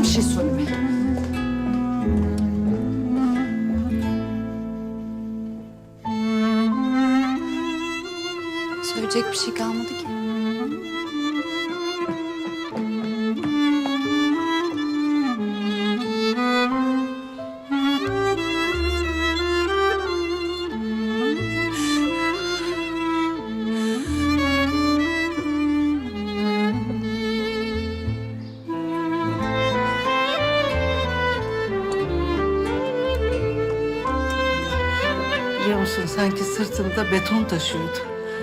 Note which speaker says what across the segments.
Speaker 1: bir şey söyleme.
Speaker 2: Söyleyecek bir şey kalmadı ki.
Speaker 3: Biliyor musun sanki sırtımda beton taşıyordu.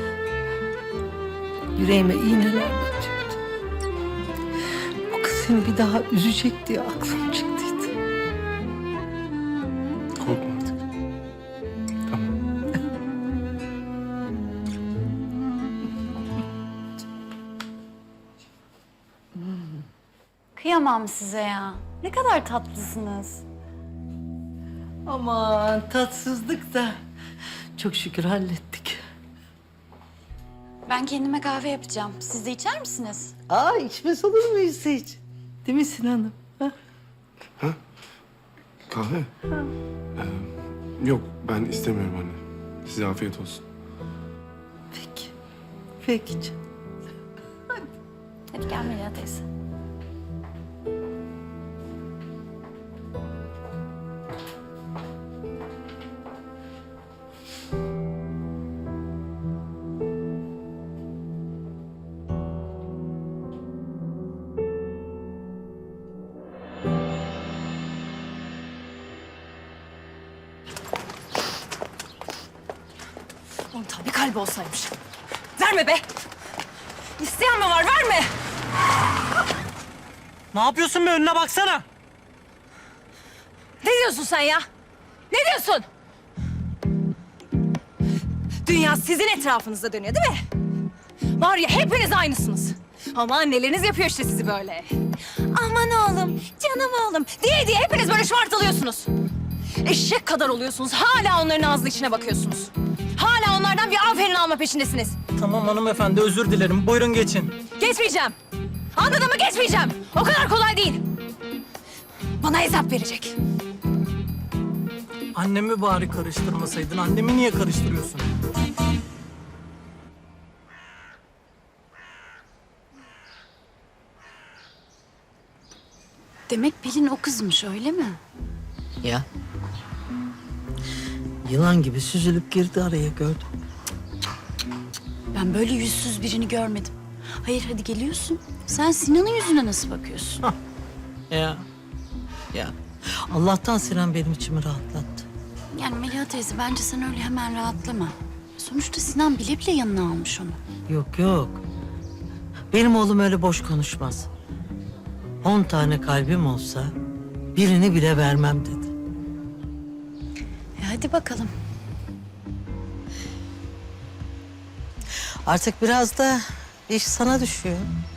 Speaker 3: Yüreğime iğneler batıyordu. Bu kız seni bir daha üzecek diye aklım çıktıydı.
Speaker 4: Korkma artık. Tamam.
Speaker 2: Kıyamam size ya. Ne kadar tatlısınız.
Speaker 3: Aman tatsızlık da çok şükür hallettik.
Speaker 2: Ben kendime kahve yapacağım. Siz de içer misiniz?
Speaker 3: Aa içmez olur muyuz hiç? Değil mi Sinan'ım? Ha?
Speaker 4: Kahve? Yok ben istemiyorum anne. Size afiyet olsun.
Speaker 3: Peki. Peki canım.
Speaker 2: Hadi gel Melia teyze.
Speaker 1: Oğlum tabii kalbi olsaymış. Verme be! İsteyen mi var? Verme!
Speaker 5: Ne yapıyorsun be? Önüne baksana.
Speaker 1: Ne diyorsun sen ya? Ne diyorsun? Dünya sizin etrafınızda dönüyor değil mi? Var ya hepiniz aynısınız. Ama anneleriniz yapıyor işte sizi böyle. Aman oğlum, canım oğlum diye hepiniz böyle şımartılıyorsunuz. Eşek kadar oluyorsunuz. Hala onların ağzının içine bakıyorsunuz. Hala onlardan bir aferin alma peşindesiniz.
Speaker 5: Tamam hanımefendi, özür dilerim. Buyurun geçin.
Speaker 1: Geçmeyeceğim. Anladın mı? Geçmeyeceğim. O kadar kolay değil. Bana hesap verecek.
Speaker 5: Annemi bari karıştırmasaydın. Annemi niye karıştırıyorsun?
Speaker 2: Demek Pelin o kızmış öyle mi?
Speaker 3: Ya. Yılan gibi süzülüp girdi araya gördüm.
Speaker 2: Ben böyle yüzsüz birini görmedim. Hayır hadi geliyorsun. Sen Sinan'ın yüzüne nasıl bakıyorsun?
Speaker 3: Ya. Ya. Allah'tan Sinan benim içimi rahatlattı.
Speaker 2: Yani Melia teyze bence sen öyle hemen rahatlama. Sonuçta Sinan bile bile yanına almış onu.
Speaker 3: Yok yok. Benim oğlum öyle boş konuşmaz. 10 tane kalbim olsa birini bile vermem dedi.
Speaker 2: Hadi bakalım.
Speaker 3: Artık biraz da iş sana düşüyor.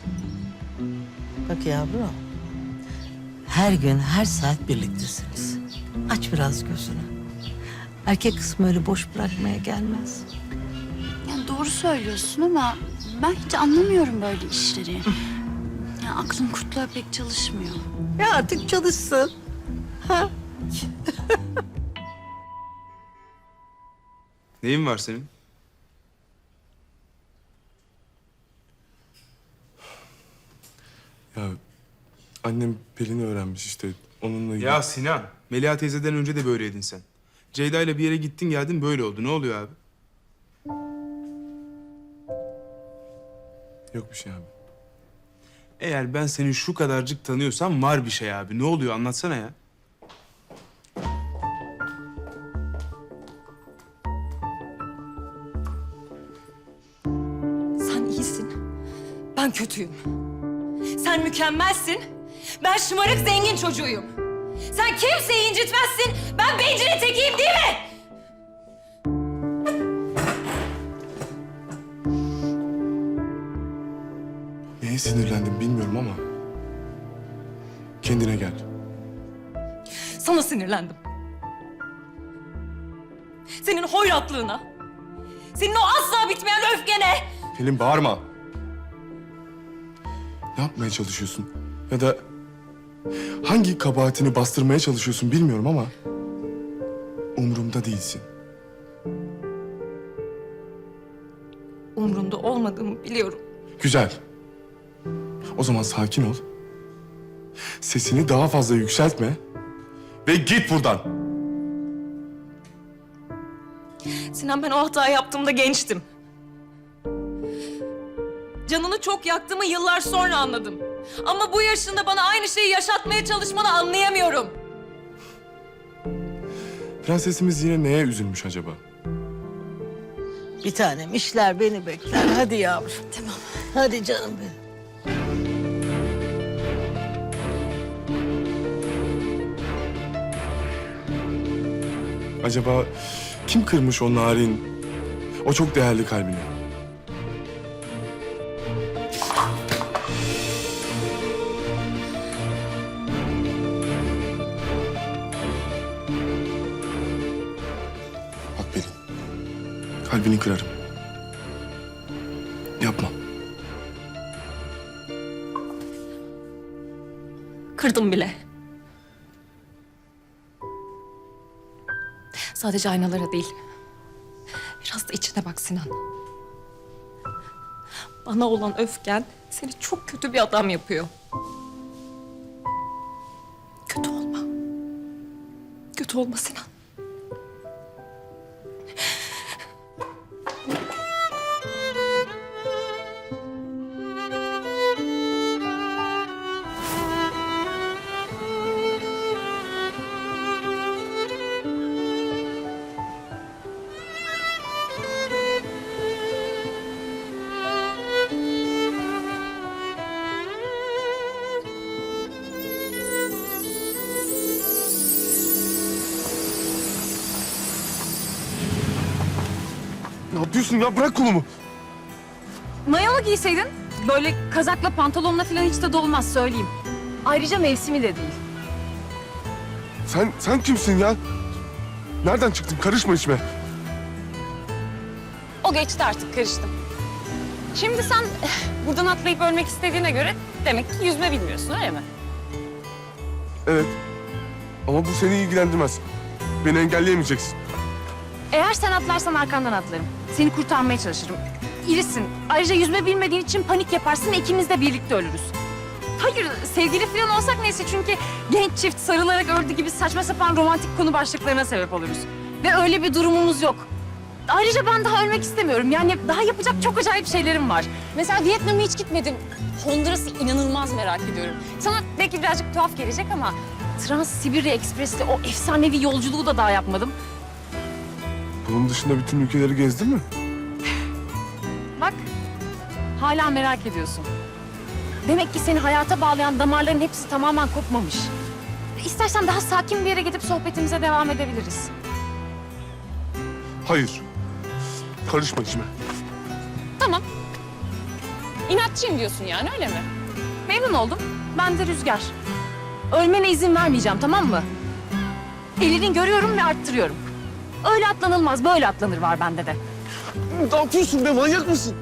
Speaker 3: Bak yavrum. Her gün, her saat birliktesiniz. Aç biraz gözünü. Erkek kısmı öyle boş bırakmaya gelmez.
Speaker 2: Yani doğru söylüyorsun ama ben hiç anlamıyorum böyle işleri. Yani aklım kurtluğa pek çalışmıyor.
Speaker 3: Ya artık çalışsın. Ha?
Speaker 4: Neyin var senin? Ya annem Pelin'i öğrenmiş işte. Onunla
Speaker 6: Ya Sinan, Melia teyzeden önce de böyleydin sen. Ceyda ile bir yere gittin geldin böyle oldu. Ne oluyor abi?
Speaker 4: Yok bir şey abi.
Speaker 6: Eğer ben seni şu kadarcık tanıyorsam var bir şey abi. Ne oluyor anlatsana ya.
Speaker 1: Sen iyisin. Ben kötüyüm. Sen mükemmelsin. Ben şımarık zengin çocuğuyum. Sen kimseyi incitmezsin. Ben bencilin tekiyim değil mi?
Speaker 4: Neye sinirlendim bilmiyorum ama kendine gel.
Speaker 1: Sana sinirlendim. Senin hoyratlığına. Senin o asla bitmeyen öfkene.
Speaker 4: Pelin bağırma. Ne yapmaya çalışıyorsun? Ya da Hangi kabahatini bastırmaya çalışıyorsun bilmiyorum ama... umurumda değilsin.
Speaker 1: Umrunda olmadığımı biliyorum.
Speaker 4: Güzel. O zaman sakin ol. Sesini daha fazla yükseltme. Ve git buradan.
Speaker 1: Sinan, ben o hatayı yaptığımda gençtim. Canını çok yaktığımı yıllar sonra anladım. Ama bu yaşında bana aynı şeyi yaşatmaya çalışmanı anlayamıyorum.
Speaker 4: Prensesimiz yine neye üzülmüş acaba?
Speaker 3: Bir tanem işler beni bekler. Hadi yavrum. Tamam. Hadi canım benim.
Speaker 4: Acaba kim kırmış o narin, o çok değerli kalbini? Bak Pelin, kalbini kırarım. Yapma.
Speaker 1: Kırdım bile. Sadece aynalara değil. Biraz da içine bak Sinan. Bana olan öfken seni çok kötü bir adam yapıyor. Kötü olma. Kötü olma Sinan.
Speaker 4: Ne yapıyorsun ya? Bırak kolumu.
Speaker 2: Mayalı giyseydin. Böyle kazakla pantolonla falan hiç de olmaz söyleyeyim. Ayrıca mevsimi de değil.
Speaker 4: Sen kimsin ya? Nereden çıktın? Karışma içime.
Speaker 7: O geçti artık, karıştım. Şimdi sen buradan atlayıp ölmek istediğine göre demek ki yüzme bilmiyorsun, öyle mi?
Speaker 4: Evet. Ama bu seni ilgilendirmez. Beni engelleyemeyeceksin.
Speaker 2: Eğer sen atlarsan arkandan atlarım. Seni kurtarmaya çalışırım. İrisin. Ayrıca yüzme bilmediğin için panik yaparsın ve ikimiz de birlikte ölürüz. Hayır, sevgili falan olsak neyse çünkü genç çift sarılarak öldü gibi saçma sapan romantik konu başlıklarına sebep oluruz. Ve öyle bir durumumuz yok. Ayrıca ben daha ölmek istemiyorum. Yani daha yapacak çok acayip şeylerim var.
Speaker 7: Mesela Vietnam'a hiç gitmedim. Honduras'ı inanılmaz merak ediyorum. Sana belki birazcık tuhaf gelecek ama
Speaker 2: Trans-Sibirya Ekspres'te o efsanevi yolculuğu da daha yapmadım.
Speaker 4: Bunun dışında bütün ülkeleri gezdin mi?
Speaker 2: Bak, hala merak ediyorsun. Demek ki seni hayata bağlayan damarların hepsi tamamen kopmamış. İstersen daha sakin bir yere gidip sohbetimize devam edebiliriz.
Speaker 4: Hayır. Karışma içime.
Speaker 7: tamam. İnatçıyım diyorsun yani, öyle mi?
Speaker 2: Memnun oldum. Ben de Rüzgar. Ölmene izin vermeyeceğim, tamam mı? Elini görüyorum ve arttırıyorum. Öyle atlanılmaz, böyle atlanır var bende de.
Speaker 4: Ne yapıyorsun be? Manyak mısın?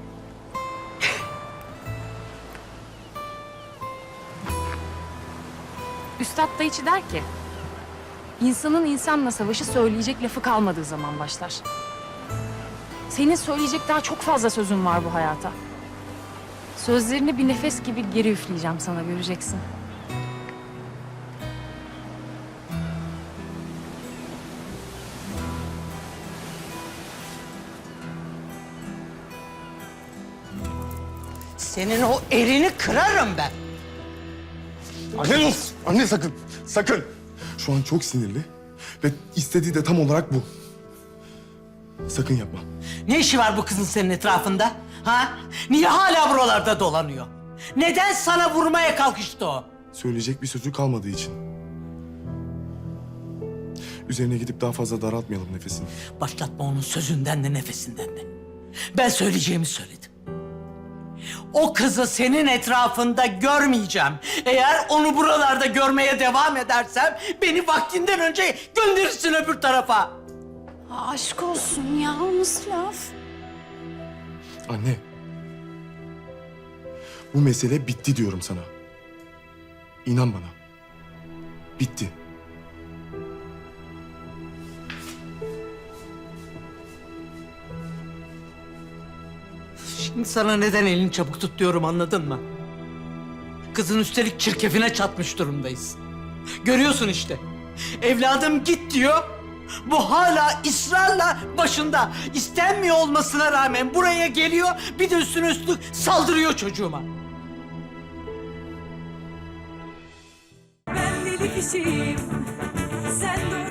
Speaker 2: Üstad Dayıçı der ki... ...insanın insanla savaşı söyleyecek lafı kalmadığı zaman başlar. Senin söyleyecek daha çok fazla sözün var bu hayata. Sözlerini bir nefes gibi geri üfleyeceğim sana, göreceksin.
Speaker 3: Senin o elini kırarım ben.
Speaker 4: Anne dur! Anne sakın! Sakın! Şu an çok sinirli ve istediği de tam olarak bu. Sakın yapma.
Speaker 3: Ne işi var bu kızın senin etrafında? Ha? Niye hala buralarda dolanıyor? Neden sana vurmaya kalkıştı o?
Speaker 4: Söyleyecek bir sözü kalmadığı için. Üzerine gidip daha fazla daraltmayalım nefesini.
Speaker 3: Başlatma onun sözünden de nefesinden de. Ben söyleyeceğimi söyledim. O kızı senin etrafında görmeyeceğim. Eğer onu buralarda görmeye devam edersem... ...beni vaktinden önce gönderirsin öbür tarafa.
Speaker 2: Aşk olsun ya, o nasıl laf?
Speaker 4: Anne. Bu mesele bitti diyorum sana. İnan bana. Bitti.
Speaker 3: Şimdi sana neden elini çabuk tut diyorum, anladın mı? Kızın üstelik çirkefine çatmış durumdayız. Görüyorsun işte. Evladım git diyor. Bu hala ısrarla başında. İstenmiyor olmasına rağmen buraya geliyor. Bir de üstüne üstlük saldırıyor çocuğuma.
Speaker 8: Ben deli kişiyim, sen de